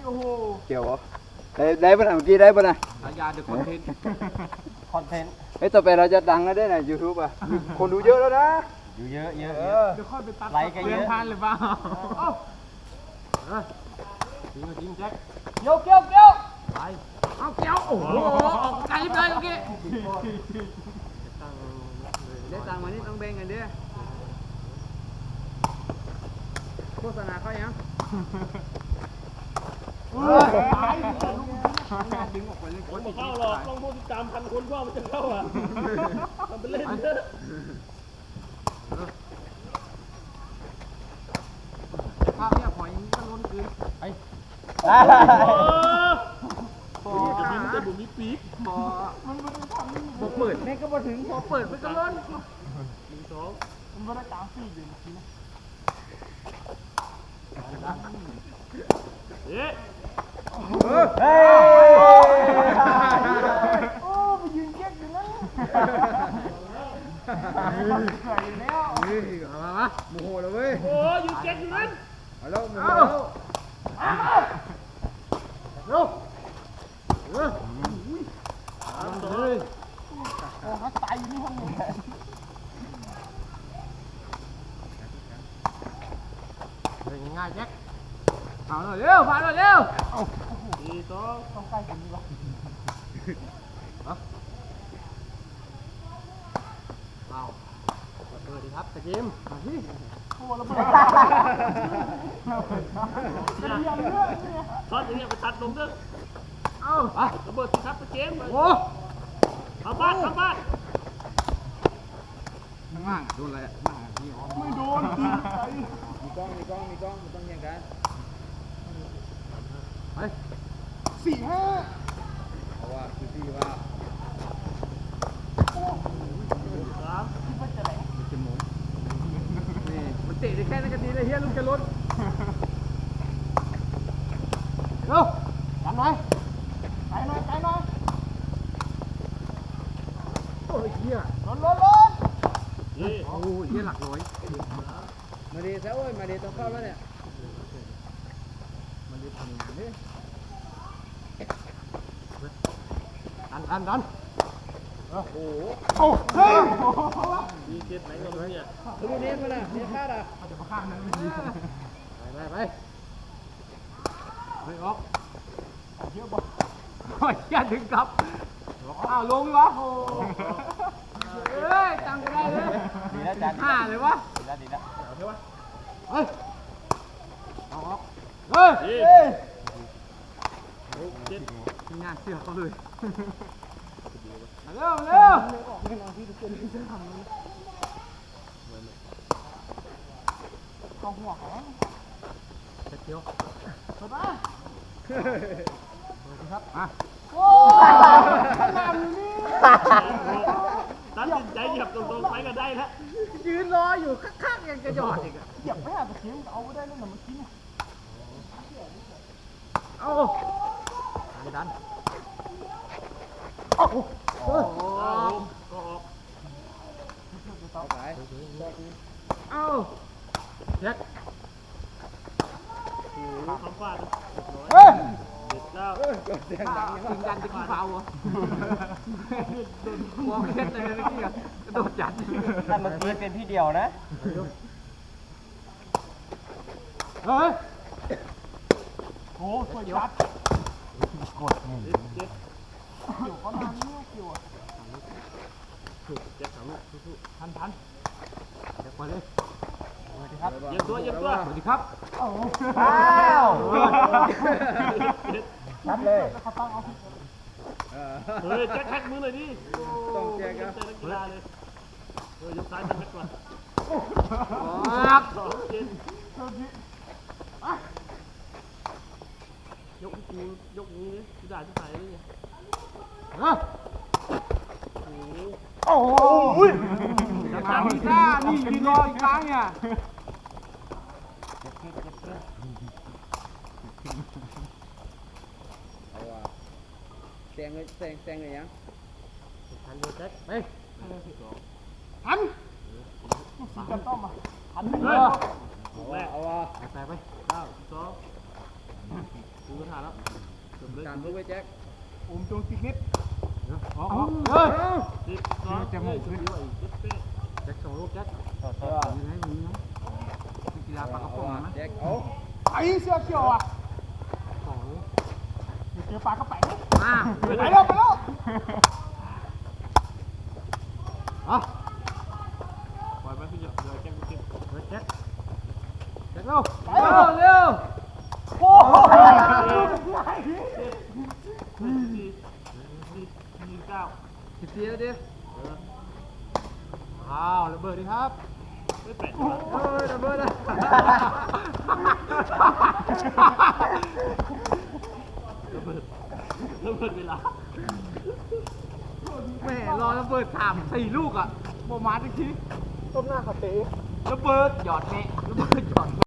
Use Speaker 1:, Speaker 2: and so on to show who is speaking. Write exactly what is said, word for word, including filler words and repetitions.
Speaker 1: โอ้โห
Speaker 2: เกี่ยวได้ได้ป่ะเมื่อกี้ได้ป่ะนะ
Speaker 1: ฉายาเดอะคอนเทนต์คอนเทนต์
Speaker 2: เฮ้ยต่อไปเราจะดังแล้วได้นะยูทูบอ่ะคนดูเยอะแล้วนะ
Speaker 3: อยู่เยอะเยอะ
Speaker 1: เดี๋ยวค่อยไปตัดไลค์กันเยอะพันหรือเปล่าจริงจริงแจ็คเกี่ยวเกี่ยวเกี่ยวไปเอาเกี่ยวโอ้โหออกไกลเลยเมื่อกี้
Speaker 2: ได้ตังมานี่ต้องแบ่งกันดิโฆษณาเขายัง
Speaker 1: ตายดึงออกไปเลยคนเข้าหรอกต้องพูดตามพันคนว่ามันจะเข้าอ่ะมันเป็นเล่นเยอะภาพเนี่ยหอยมันล้นคืนไอ้พอจะมีแต่บุ๋มมีปีกพอมันมันทำพอเปิดแม่ก็มาถึงพอเปิดมันก็ล้นหนึ่งสองมันไม่ได้กลางสี่อยู่นะเอ๊ะ
Speaker 3: เฮ้ย
Speaker 1: โอ้ไปยืนเก๊กอยู่นะใส่แล้ว
Speaker 2: เฮ้ยมามาโมโหแล้วเว้ย
Speaker 1: โอ้ยืนเก๊กอยู่นั้น
Speaker 2: เอาแล้วโมโหแล้ว
Speaker 1: เร็วเร็วทำเลยโอ้เขาตายอยู่นี่ห้องนี้ง่ายแจ็คเอาหน่อยเร็วผ่านหน่อยเร็วสี่สองต้องใกล้กันดีวะเอาเปิดดีครับตะกิมมาที่โอ้ระเบิดช็อตอย่างเงี้ยไปตัดลงด้วยเอาระเบิดสิครับตะกิมโอ้ทำบ้านทำบ้าน
Speaker 2: ข้างล่างโดนอะไรข้างล่างพี่
Speaker 1: ไม่โดนจริงใจ
Speaker 2: มีกล้องมีกล้องมีกล้องมันต้องอย่างกัน
Speaker 1: ไปสี่ห้า
Speaker 2: เพราะว่าคือพี่ว่า
Speaker 1: สามที่มันจะไหนมันจะหมุนนี่มันเตะได้แค่นั้นก็ดีเลยเฮียลุงจะล้นเร็วกันหน่อยไปหน่อยไปหน่อยโอ้ยเฮียล้นล้นล้นโอ้ยเฮียหลักร้อย
Speaker 2: มาดีซะโอ้ยมาดีต้องเข้าแล้วเนี่ย
Speaker 1: มันดีทำอย่างนี้ดันดันดันโอ้โหโอ้เฮ้ยดีเจ็ดไหนก็ไม่เนี่ย
Speaker 2: ดูนี่มันอ่ะนี่คาดอ่ะ
Speaker 1: จะมาข้างนั้นไปไปไปไปออกเยอะบ่โอ้ยอย่าถึงกับอ้าวลงวะโอ้เฮ้ยตังก็ได้เลย
Speaker 3: ดีแล้วจัน
Speaker 1: ห้าเลยวะ
Speaker 3: ดีแล้วดีแล้ว
Speaker 1: เฮ้ยเฮ้ยเอาออกเฮ้ยเจ็ดมีงานเสือเขาเลยเร็วเร็วกองหัวเขาเจ็ดเดียวสบายครับอ่ะโอ้ขนาดอยู่นี่ตัดสินใจเหยียบตรงๆไปก็ได้แล้วยืนรออยู่ข้างๆยังกระยอดอีกอ่ะเหยียบไม่อาจจะเคี้ยวเอาไม่ได้แล้วนะเมื่อกี้เนี่ยเอาไม่ดันโอ้โหก็ออก
Speaker 2: เอาไป
Speaker 1: เอาเช็คทำฟาดเฮ้ยเด็ดแล้วจริงจันจะกี่เผาอ่ะมองเช็ดเลยเมื่อกี้อ่ะกระโดดจัด
Speaker 3: แต่เมื่อกี้เป็นพี่เดียวนะ
Speaker 1: เฮ้ยโอ้สวยจัดกดนี่เกี่ยวก็นานนี่เกี่ยวอ่ะเจ็บสามลูกสู้ๆทันทันเดี๋ยวไปเลยสวัสดีครับเยี่ยมตัวเยี่ยมตัวสวัสดีครับ
Speaker 3: อ้าวนับเลย
Speaker 1: เฮ้ยแจ็คแท็กมือเลยดิ
Speaker 2: ต้องแจ็คครับ
Speaker 1: เฮ้ยเลยเฮ้ยยกซ้ายจับก่อนครับสองเจ็ดยกกูยกนี้กูด่าที่ไหนนี่ฮะโอ้โหจะทำอีกหน้านี่ยืนรออีกครั้งเนี่ย
Speaker 2: เอาว่ะแซงเลยแซงแซงเลยยัง
Speaker 1: ทันเดียวแจ็คไปทันสีกันต้อมอ่ะทันเลย
Speaker 2: เอาว่ะเอาว่ะ
Speaker 1: ไปไปเก้าสองดูกระถางแล้วจบเลย
Speaker 2: ตามลูกไปแจ็ค
Speaker 1: อมจงสิกนิดเอาเอาเฮ้ยสิบสองจะหมดขึ้นแจ็คสองลูกแจ็ค
Speaker 2: มีไหมมีไหมกีฬาปากกระป๋องนะแจ็คเอา
Speaker 1: ไอ้เสื้อเขียวอ่ะสองเจอปลากระแป๋ง
Speaker 2: มา
Speaker 1: ไปแล้วไปแล้วอ่ะปล่อยไปพี่เดี๋ยวแจ็คเก็บแจ็คแจ็คเร็ว
Speaker 2: เร็วเร็ว
Speaker 1: โอ้โหสี่สี่สี่เก้า
Speaker 2: สิบสี่แล้วดิ
Speaker 1: อ้าวระเบิดดิครับไม่แปด
Speaker 2: เฮ้ยระเบิดเลย
Speaker 1: ระเบิดระเบิดเวลา
Speaker 2: แม่รอระเบิดสามสี่ลูกอ่ะโบมาจริง
Speaker 1: ต้มหน้าคาเฟ่
Speaker 2: ระเบิดหยอดแม่ระเบิดหย